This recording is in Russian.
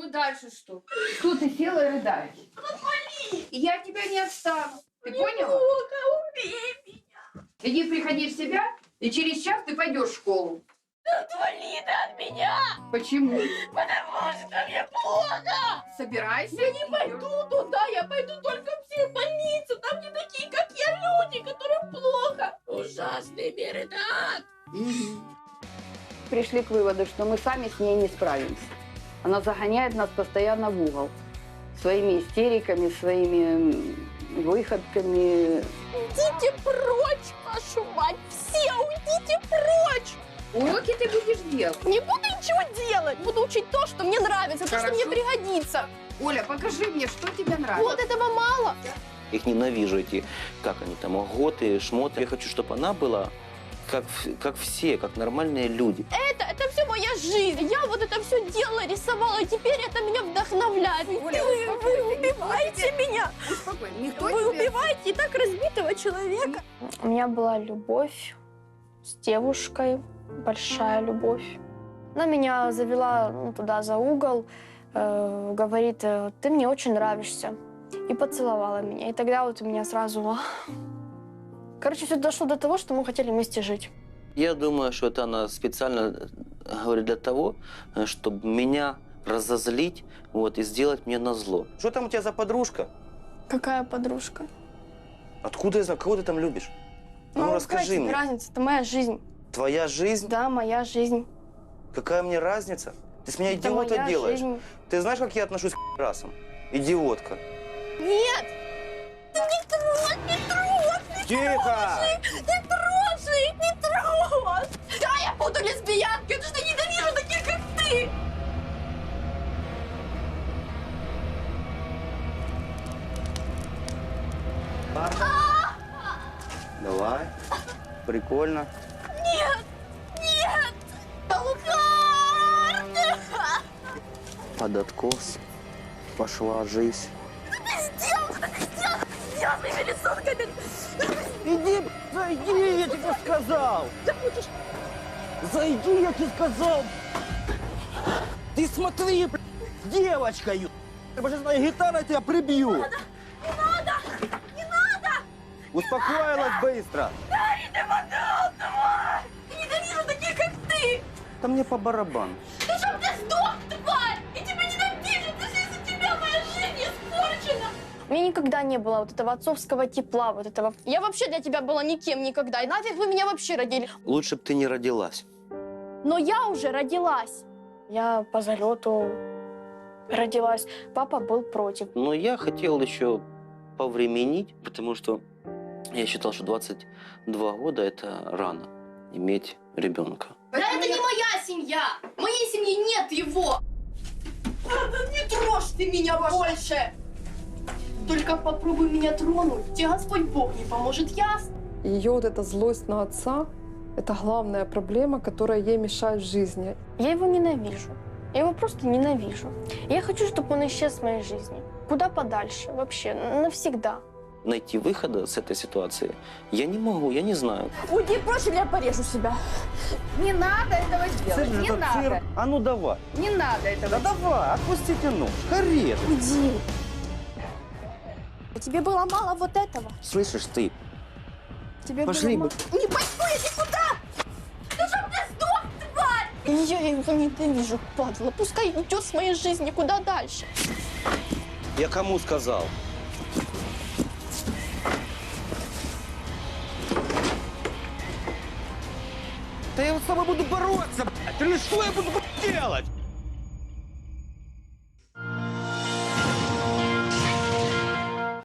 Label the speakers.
Speaker 1: Ну и дальше что? Что ты села и рыдаешь? И я от тебя не отстану. Ты поняла?
Speaker 2: Убей меня!
Speaker 1: Иди, приходи в себя, и через час ты пойдешь в школу.
Speaker 2: Отвали ты от меня!
Speaker 1: Почему?
Speaker 2: Потому что мне плохо!
Speaker 1: Собирайся.
Speaker 2: Я не пойду туда, я пойду только в психбольницу. Там не такие, как я, люди, которым плохо. Ужасный Меридат.
Speaker 3: Пришли к выводу, что мы сами с ней не справимся. Она загоняет нас постоянно в угол. Своими истериками, своими выходками.
Speaker 2: Идите прочь, вашу мать! Все уйдите прочь!
Speaker 1: Уроки ты будешь делать.
Speaker 2: Не буду ничего делать. Буду учить то, что мне нравится, то, что
Speaker 1: Хорошо.
Speaker 2: мне пригодится.
Speaker 1: Оля, покажи мне, что тебе нравится.
Speaker 2: Вот этого мало.
Speaker 4: Их ненавижу, эти, как они там, готы, шмоты. Я хочу, чтобы она была как все, как нормальные люди.
Speaker 2: Это все моя жизнь. Я вот это все делала, рисовала, и теперь это меня вдохновляет.
Speaker 1: Оля,
Speaker 2: Вы убиваете меня.
Speaker 1: Успокойся. Никто
Speaker 2: Вы
Speaker 1: тебе...
Speaker 2: убиваете и так разбитого человека. У меня была любовь с девушкой, большая любовь. Она меня завела туда за угол, говорит, ты мне очень нравишься. И поцеловала меня. И тогда вот у меня сразу... Короче, все дошло до того, что мы хотели вместе жить.
Speaker 4: Я думаю, что это она специально говорит для того, чтобы меня разозлить, вот, и сделать мне назло. Что там у тебя за подружка?
Speaker 2: Какая подружка?
Speaker 4: Откуда я знаю, кого ты там любишь? Ну, расскажи
Speaker 2: какая тебе
Speaker 4: мне.
Speaker 2: разница? Это моя жизнь.
Speaker 4: Твоя жизнь?
Speaker 2: Да, моя жизнь.
Speaker 4: Какая мне разница? Ты с меня
Speaker 2: Это
Speaker 4: идиота
Speaker 2: моя
Speaker 4: делаешь.
Speaker 2: жизнь.
Speaker 4: Ты знаешь, как я отношусь к расам? Идиотка.
Speaker 2: Нет! Ты не трожь, не трожь!
Speaker 4: Тихо!
Speaker 2: Не трожь их, не трожь! Да, я буду лесбиянкой, потому что ненавижу таких, как ты!
Speaker 4: Давай. Прикольно.
Speaker 2: Нет! Нет! Алхард!
Speaker 4: Под откос пошла жизнь.
Speaker 2: Сделай своими рисунками!
Speaker 5: Иди, зайди, я тебе сказал! Зайди, я тебе сказал! Ты смотри, девочка, сейчас моя гитара тебя прибью!
Speaker 2: Не надо!
Speaker 5: Успокоилась быстро!
Speaker 2: Дарья, ты подал, тварь! Я ненавижу таких, как ты!
Speaker 4: Да мне по барабану.
Speaker 2: Ты чтоб ты сдох, тварь! И тебя ненавижу, ты же из-за тебя моя жизнь испорчена! У меня никогда не было вот этого отцовского тепла, вот этого. Я вообще для тебя была никем никогда. И нафиг вы меня вообще родили?
Speaker 4: Лучше бы ты не родилась.
Speaker 2: Но я уже родилась. Я по залету родилась. Папа был против.
Speaker 4: Но я хотел еще повременить, потому что я считал, что 22 года – это рано иметь ребенка.
Speaker 2: Да это не моя семья! В моей семье нет его! Не трожь ты меня больше! Только попробуй меня тронуть, тебе Господь Бог не поможет, ясно?
Speaker 6: Ее вот эта злость на отца – это главная проблема, которая ей мешает в жизни.
Speaker 2: Я его ненавижу. Я его просто ненавижу. Я хочу, чтобы он исчез с моей жизни. Куда подальше, вообще, навсегда.
Speaker 4: Найти выхода с этой ситуации я не могу, я не знаю.
Speaker 2: Уйди прочь, или я порежу себя.
Speaker 1: Не надо этого делать. Не
Speaker 5: Этот
Speaker 1: надо.
Speaker 5: цирк. А ну давай!
Speaker 1: Не надо этого
Speaker 5: Да давай, отпустите нож, хорет!
Speaker 2: Уйди. Тебе было мало вот этого.
Speaker 4: Слышишь ты?
Speaker 2: Тебе
Speaker 4: Пошли
Speaker 2: было
Speaker 4: бы.
Speaker 2: мало. Не пойду я никуда! Да чтоб ты сдох, тварь! Я его ненавижу, падла. Пускай идет с моей жизни куда дальше.
Speaker 4: Я кому сказал?
Speaker 5: Да я вот с тобой буду бороться, блядь! Или что я буду делать?